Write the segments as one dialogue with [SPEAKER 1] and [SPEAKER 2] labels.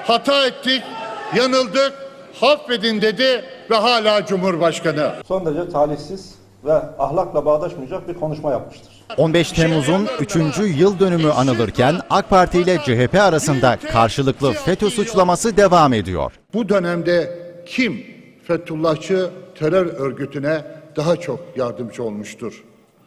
[SPEAKER 1] hata ettik, yanıldık, affedin dedi ve hala Cumhurbaşkanı.
[SPEAKER 2] Son derece talihsiz ve ahlakla bağdaşmayacak bir konuşma yapmıştır.
[SPEAKER 3] 15 Temmuz'un 3. yıl dönümü anılırken AK Parti ile CHP arasında karşılıklı FETÖ suçlaması devam ediyor.
[SPEAKER 1] Bu dönemde kim Fethullahçı terör örgütüne daha çok yardımcı olmuştur?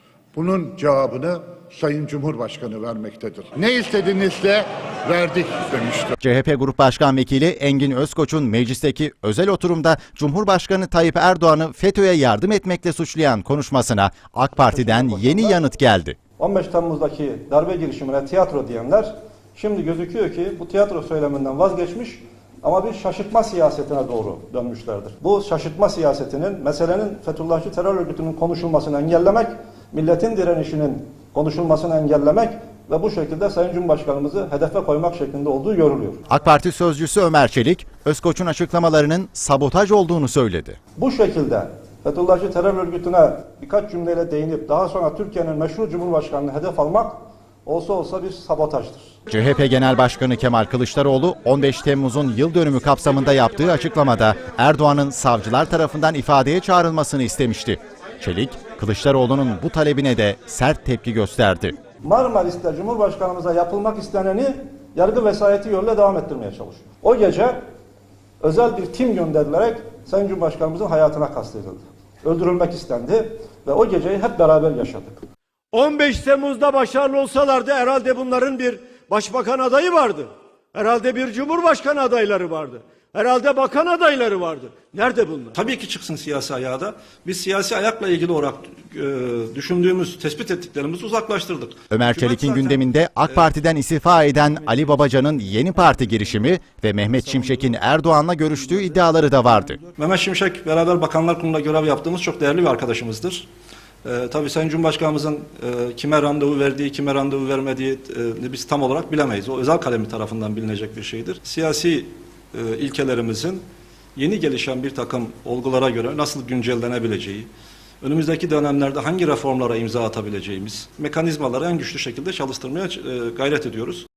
[SPEAKER 1] Bunun cevabını Sayın Cumhurbaşkanı vermektedir. Ne istediğinizle verdik demiştir.
[SPEAKER 3] CHP Grup Başkan Vekili Engin Özkoç'un meclisteki özel oturumda Cumhurbaşkanı Tayyip Erdoğan'ı FETÖ'ye yardım etmekle suçlayan konuşmasına AK Parti'den yeni yanıt geldi.
[SPEAKER 2] 15 Temmuz'daki darbe girişimine tiyatro diyenler şimdi gözüküyor ki bu tiyatro söyleminden vazgeçmiş ama bir şaşırtma siyasetine doğru dönmüşlerdir. Bu şaşırtma siyasetinin meselenin Fethullahçı terör örgütünün konuşulmasını engellemek, milletin direnişinin konuşulmasını engellemek ve bu şekilde Sayın Cumhurbaşkanımızı hedefe koymak şeklinde olduğu görülüyor.
[SPEAKER 3] AK Parti sözcüsü Ömer Çelik, Özkoç'un açıklamalarının sabotaj olduğunu söyledi.
[SPEAKER 2] Bu şekilde Fethullahçı terör örgütüne birkaç cümleyle değinip daha sonra Türkiye'nin meşru Cumhurbaşkanı'nı hedef almak olsa olsa bir sabotajdır.
[SPEAKER 3] CHP Genel Başkanı Kemal Kılıçdaroğlu 15 Temmuz'un yıl dönümü kapsamında yaptığı açıklamada Erdoğan'ın savcılar tarafından ifadeye çağrılmasını istemişti. Çelik, Kılıçdaroğlu'nun bu talebine de sert tepki gösterdi.
[SPEAKER 2] Marmaris'te Cumhurbaşkanımıza yapılmak isteneni yargı vesayeti yoluyla devam ettirmeye çalışıyor. O gece özel bir tim gönderilerek Sayın Cumhurbaşkanımızın hayatına kastedildi. Öldürülmek istendi ve o geceyi hep beraber yaşadık.
[SPEAKER 4] 15 Temmuz'da başarılı olsalardı herhalde bunların bir başbakan adayı vardı. Herhalde bir cumhurbaşkanı adayları vardı. Herhalde bakan adayları vardı. Nerede bunlar?
[SPEAKER 5] Tabii ki çıksın siyasi ayağa da. Biz siyasi ayakla ilgili olarak düşündüğümüz, tespit ettiklerimizi uzaklaştırdık.
[SPEAKER 3] Ömer Çelik'in gündeminde AK Parti'den istifa eden Ali Babacan'ın yeni parti girişimi ve Mehmet Şimşek'in Erdoğan'la görüştüğü iddiaları da vardı.
[SPEAKER 5] Mehmet Şimşek beraber Bakanlar Kurulu'nda görev yaptığımız çok değerli bir arkadaşımızdır. Tabii Sayın Cumhurbaşkanımızın kime randevu verdiği, kime randevu vermediği biz tam olarak bilemeyiz. O özel kalemi tarafından bilinecek bir şeydir. Siyasi ilkelerimizin yeni gelişen bir takım olgulara göre nasıl güncellenebileceği, önümüzdeki dönemlerde hangi reformlara imza atabileceğimiz mekanizmaları en güçlü şekilde çalıştırmaya gayret ediyoruz.